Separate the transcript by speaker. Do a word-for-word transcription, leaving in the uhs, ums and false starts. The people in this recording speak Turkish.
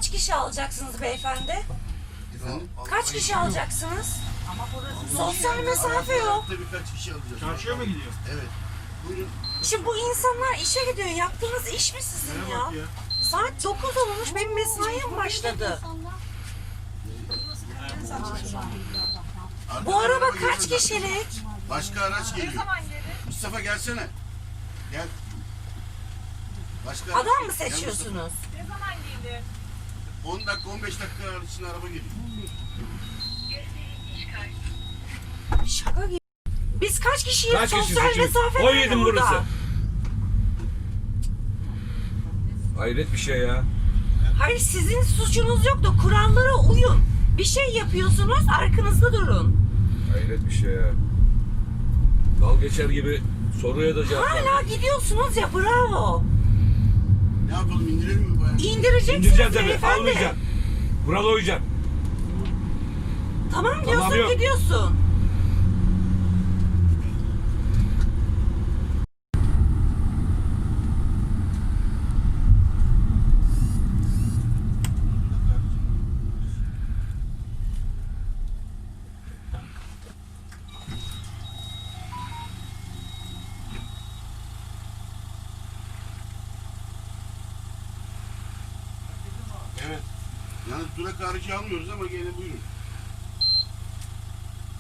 Speaker 1: kaç kişi alacaksınız beyefendi?
Speaker 2: Efendim?
Speaker 1: Kaç kişi alacaksınız?
Speaker 3: Ama burası
Speaker 1: Sosyal mesafe yok.
Speaker 2: Araçta birkaç kişi alacağız.
Speaker 4: Çarşıya mı gidiyor?
Speaker 2: Evet. Buyurun.
Speaker 1: Şimdi bu insanlar işe gidiyor. Yaptığınız iş mi sizin
Speaker 4: Nereye
Speaker 1: ya?
Speaker 4: bak ya?
Speaker 1: Saat dokuz olmuş. Benim mesaim başladı.
Speaker 2: Arkadan
Speaker 1: Bu araba
Speaker 2: geliyor
Speaker 1: kaç
Speaker 2: zaten.
Speaker 1: kişilik?
Speaker 2: Başka araç
Speaker 3: ne
Speaker 2: geliyor.
Speaker 3: zaman gelir?
Speaker 2: Mustafa gelsene. Gel. Başka
Speaker 1: Adam
Speaker 2: araç
Speaker 1: mı
Speaker 2: geliyor. Gel
Speaker 1: seçiyorsunuz?
Speaker 3: Ne zaman gelir?
Speaker 2: Mustafa. on dakika on beş dakika içinde araba geliyor.
Speaker 1: Şaka gibi. Biz kaç kişiyiz?
Speaker 5: Kaç kişi
Speaker 1: Sosyal
Speaker 5: seçiyoruz?
Speaker 1: mesafe
Speaker 5: on
Speaker 1: nerede
Speaker 5: yedi
Speaker 1: burada?
Speaker 5: burası. Hayret bir şey ya.
Speaker 1: Hayır, sizin suçunuz yok da kurallara uyun. Bir şey yapıyorsunuz, arkanızda durun.
Speaker 5: Hayret bir şey ya. Dal geçer gibi soruya da cevap ver.
Speaker 1: Hala gidiyorsunuz ya, bravo.
Speaker 2: Ne yapalım, indirelim mi bayağı?
Speaker 1: İndireceksiniz
Speaker 5: İndireceğim tabii.
Speaker 1: beyefendi.
Speaker 5: Almayacaksın. Buralı uyuyacaksın.
Speaker 1: Tamam diyorsun,
Speaker 5: yok.
Speaker 1: gidiyorsun.
Speaker 2: Evet. Yani durak harici almıyoruz ama gene buyurun.